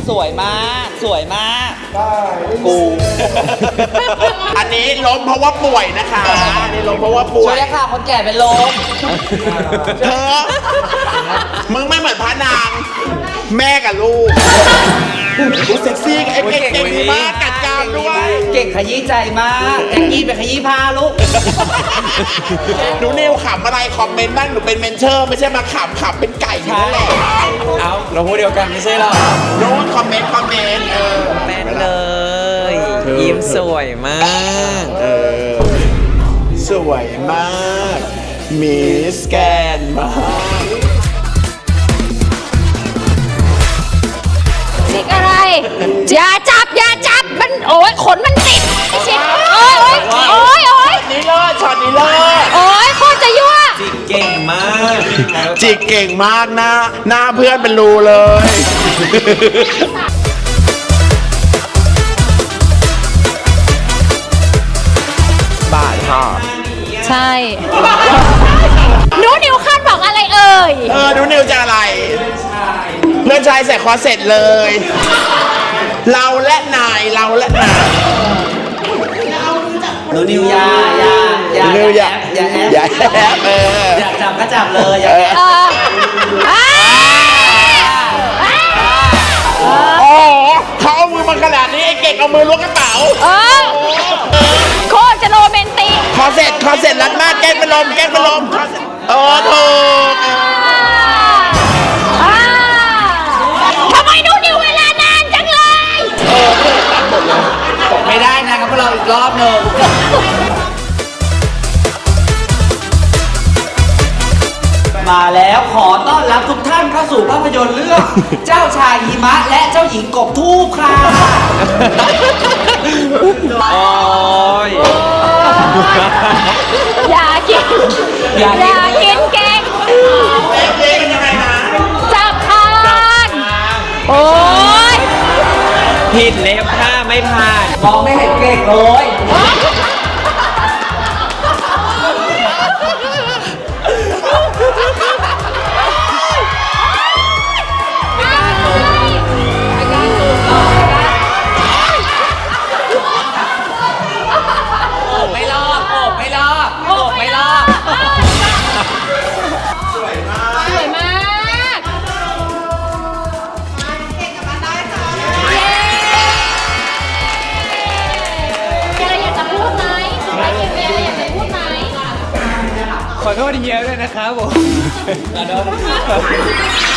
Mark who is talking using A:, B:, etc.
A: สวยมากสวยมากกู
B: อันนี้ล้มเพราะว่าป่วยนะคะอันนี้ล้มเพราะว่าป่ว
A: ช่วย ยค่ะคนแก่เป็นลม
B: เธอมึงไม่เหมือนพระนางแม่กับลูกเซ็กซี่เก่งมากกัดกรามด้วย
A: เก่งขยี้ใจมากแจ็คกี้ไปขยี้ผ้าลูก
B: หนูนิวขำอะไรคอมเมนต์บ้างหนูเป็นเมนเชอร์ไม่ใช่มาขำเป็นไก่อยู่นั่นแหละ
C: เอาเราพูดเดียวกันไม่ใช่หรอ
B: โน้ตคอมเมนต์
C: แม่นเลยยิ้มสวยมาก
B: สวยมากมิสแกนมาก
D: จิกอะไร อย่าจับมันโอ้ยขนมันติดไอ้ชิบโอ้ย
B: นี่เลิศช็อตนี้เลิศ
D: โอ้ยโคตรจะยั่ว
C: จิกเก่งมาก
B: จิกเก่งมากนะหน้าเพื่อนเป็นรูเลยบ้าชอบ
D: ใช่หนูนิวคาดบอกอะไรเอ่ย
B: หนูนิวจะอะไรเพื่อนชายใส่คอเสร็จเลย เราและนาย
A: หนูนิวยา
B: นิวอย่า
A: อย่าแอ
B: อย่า
A: บ
B: แอบ
A: อยากจับก็จับเลยอย่าแอบ
B: โอ้เขาเอามือมาขนาดนี้ไอ้เก่งเอามือล้วงกระเป๋า
D: โคตรจะโรแมนติก
B: คอเสร็จรัดมากแกล้งเป็นลมถูก
D: ทำไมหนูนิวเวลานานจังเลย
A: ไม่ได้นะครับพวกเราอีกรอบหนึ่งมาแล้วขอต้อนรับทุกท่านเข้าสู่ภาพยนตร์เรื่อง เจ้าชายหิมะและเจ้าหญิงกบทูบค่ะ
C: โอ้ย
D: อย่ากิน
A: อย่ากิน
D: กินเก่ง
B: เล่นยังไงนะ
D: จับทานโอ้ย
C: ผิดเล็บถ้าไม่ผ่าน
A: มองไม่เห็นเก่งเลย ไม่รอบโอบไม่รอบโอบไม่รอบ
D: สวยมากเย้มีอะไรอยากจะพูดไหมมีอะไรอยากจะพูดไหม
C: ขอโทษเฮียด้วยนะครับผม
A: ขอโทษ